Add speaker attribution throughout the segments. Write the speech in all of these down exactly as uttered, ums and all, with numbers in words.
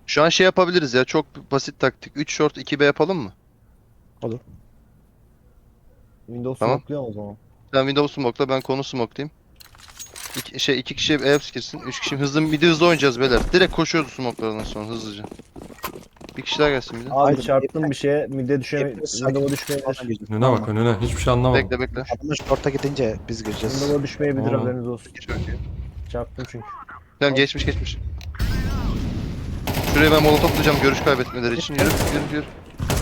Speaker 1: Şu an şey yapabiliriz ya. Çok basit taktik. üç short iki B yapalım mı?
Speaker 2: Olur.
Speaker 3: Windows
Speaker 1: Tamam.
Speaker 3: smoke'luyor o zaman.
Speaker 1: Sen Windows smoke'la, ben konu smoke'layayım. İki, şey iki kişi Eps girsin. Üç kişi hızlı midi hızlı oynayacağız beyler. Direkt koşuyoruz smoke'lardan sonra hızlıca. Bir kişi daha gelsin midi.
Speaker 3: Abi
Speaker 2: Aynen.
Speaker 3: çarptım bir şeye. Mid'e düşe,
Speaker 2: Hepimiz sakin.
Speaker 3: Windows'a düşmeyebilir.
Speaker 2: Önüne bak önüne. Hiçbir şey anlamadım.
Speaker 1: Bekle bekle.
Speaker 2: Adamlar short'a gidince biz gireceğiz.
Speaker 3: Windows'a düşmeyebilir,
Speaker 2: Tamam.
Speaker 3: haberiniz olsun.
Speaker 1: Çok iyi.
Speaker 3: Çarptım çünkü.
Speaker 1: Tamam, geçmiş geçmiş. Şuraya ben molotof tutacağım görüş kaybetmeleri için. Yürü yürü yürü.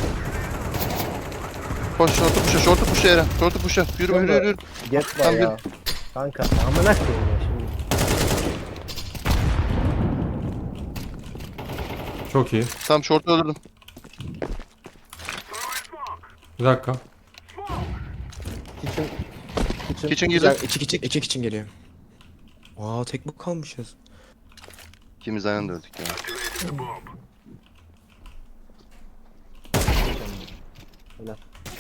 Speaker 1: Koş, şortu puşa, şortu puşa Eren. Şortu puşa. Yürü yürü yürü. yürü.
Speaker 3: Get var
Speaker 1: Tamam,
Speaker 3: ya. Kanka amına koyayım ya şimdi.
Speaker 2: Çok iyi.
Speaker 1: Tamam, şortu öldürdüm.
Speaker 2: Bir dakika.
Speaker 3: Kitchen. Kitchen.
Speaker 1: Kitchen
Speaker 2: Güzel.
Speaker 1: girdi.
Speaker 2: İki kişi iki kişi geliyor. Aa tek mi kalmışız?
Speaker 1: İkimiz aynı anda öldük ya.
Speaker 3: Helal.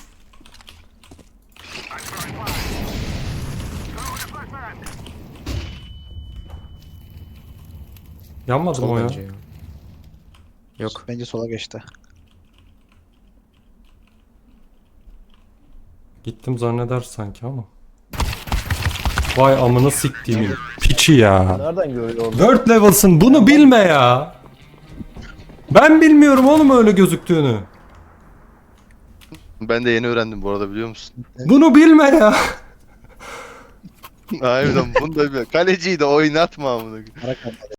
Speaker 2: Yanmadı mı o ya?
Speaker 4: Yok. Bence sola geçti.
Speaker 2: Gittim zanneder sanki ama. Vay amına siktiğimin piçi ya.
Speaker 3: Nereden görüyor orada?
Speaker 2: Word level'sın bunu bilme ya. Ben bilmiyorum oğlum öyle gözüktüğünü.
Speaker 1: Ben de yeni öğrendim bu arada, biliyor musun?
Speaker 2: Bunu bilme ya.
Speaker 1: Harbiden bunu da bilmiyorum. Kaleciyi de oynatma amına.
Speaker 4: Ara